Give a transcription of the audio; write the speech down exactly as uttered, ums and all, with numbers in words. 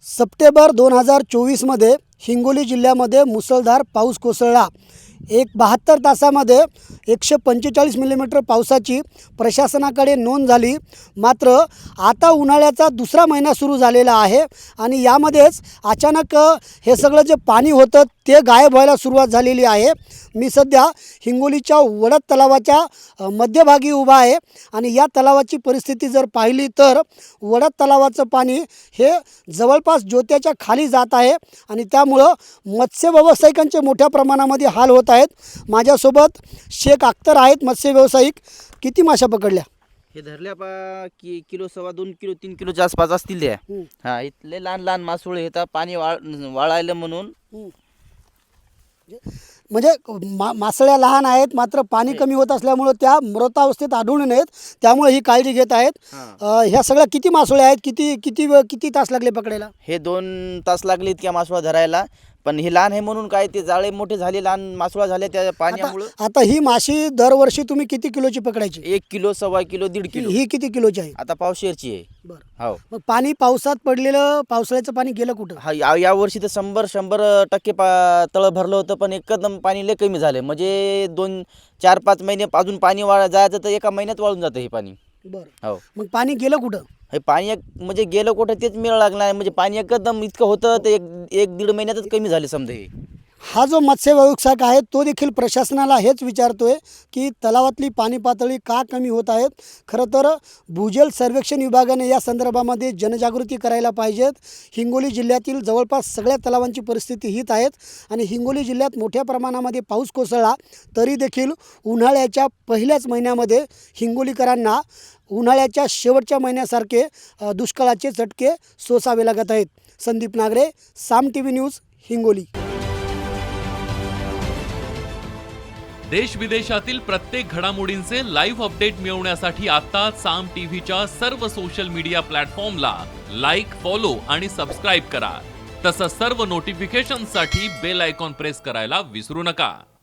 September दोन हजार चोवीसमध्ये हिंगोली जिल्ह्यामध्ये मुसळधार पाऊस कोसळला। एक बहात्तर तासामध्ये एकशे पंचेचाळीस मिलीमीटर पावसाची प्रशासनाकडे नोंद झाली। मात्र आता उन्हाळ्याचा दुसरा महिना सुरू झालेला आहे आणि यामध्येच अचानक हे सगळं जे पाणी होतं ते गायब व्हायला सुरुवात झालेली आहे। मी सध्या हिंगोलीच्या वडद तलावाच्या मध्यभागी उभा आहे आणि या तलावाची परिस्थिती जर पाहिली तर वडद तलावाचं पाणी हे जवळपास जोत्याच्या खाली जात आहे आणि त्यामुळं मत्स्य व्यावसायिकांचे मोठ्या प्रमाणामध्ये हाल होत आहेत। माझ्यासोबत शेख अख्तर आहेत, मत्स्य व्यावसायिक। किती माशा पकडल्या? हे धरल्या पा की किलो सव्वा दोन किलो तीन किलोच्या आसपास असतील त्या। हा, इथले लहान लहान मासोळे येतात पाणी वाळ वाळायला म्हणून। म्हणजे मा मासळ्या लहान आहेत, मात्र पाणी कमी होत असल्यामुळे त्या मृतावस्थेत आढळून नयेत, त्यामुळे ही काळजी घेत आहेत। ह्या सगळ्या किती मासोळ्या आहेत? किती किती किती तास लागले पकडायला? हे दोन तास लागले इतक्या मासोळा धरायला, पण हे लहान आहे म्हणून काय ते जाळे मोठे झाले, लहान मासोळा झाले त्या पाण्यामुळे। आता ही माशी दरवर्षी तुम्ही किती किलोची पकडायची? एक किलो सव्वा किलो दीड किलो। ही किती किलोची आहे? आता पावशेरची आहे। बरं, हो। मग पाणी पावसात पडलेलं, पावसाळ्याचं पाणी गेलं कुठं? हा, या या वर्षी तर शंभर शंभर टक्के पा तळं भरलं होतं, पण एकदम पाणी लय कमी झालं। म्हणजे दोन चार पाच महिने अजून पाणी वाळ जायचं तर एका महिन्यात वाळून जातं हे पाणी। बरं, हो। मग पाणी गेलं कुठं? हे पाणी एक म्हणजे गेलं कुठं तेच मिळ लागणार आहे। म्हणजे पाणी एकदम इतकं होतं ते एक एक दीड महिन्यातच कमी झाले समजा हे। हा जो मत्स्य व्यावसायिक आहे तो देखील प्रशासनाला हेच विचारतोय की तलावातली पाणी पातळी का कमी होत आहेत। खरं तर भूजल सर्वेक्षण विभागाने या संदर्भामध्ये जनजागृती करायला पाहिजेत। हिंगोली जिल्ह्यातील जवळपास सगळ्या तलावांची परिस्थिती हीच आहेत आणि हिंगोली जिल्ह्यात मोठ्या प्रमाणामध्ये पाऊस कोसळला तरी देखील उन्हाळ्याच्या पहिल्याच महिन्यामध्ये हिंगोलीकरांना उन्हाळ्याच्या शेवटच्या महिन्यासारखे दुष्काळाचे चटके सोसावे लागत आहेत। Sandeep Nagare, Saam TV news, Hingoli. देश विदेशातील प्रत्येक घडामोडींचे लाईव्ह अपडेट मिळवण्यासाठी आता साम टीव्हीच्या सर्व सोशल मीडिया प्लॅटफॉर्मला लाईक, फॉलो आणि सबस्क्राईब करा। तसंच सर्व नोटिफिकेशनसाठी बेल आयकॉन प्रेस करायला विसरू नका।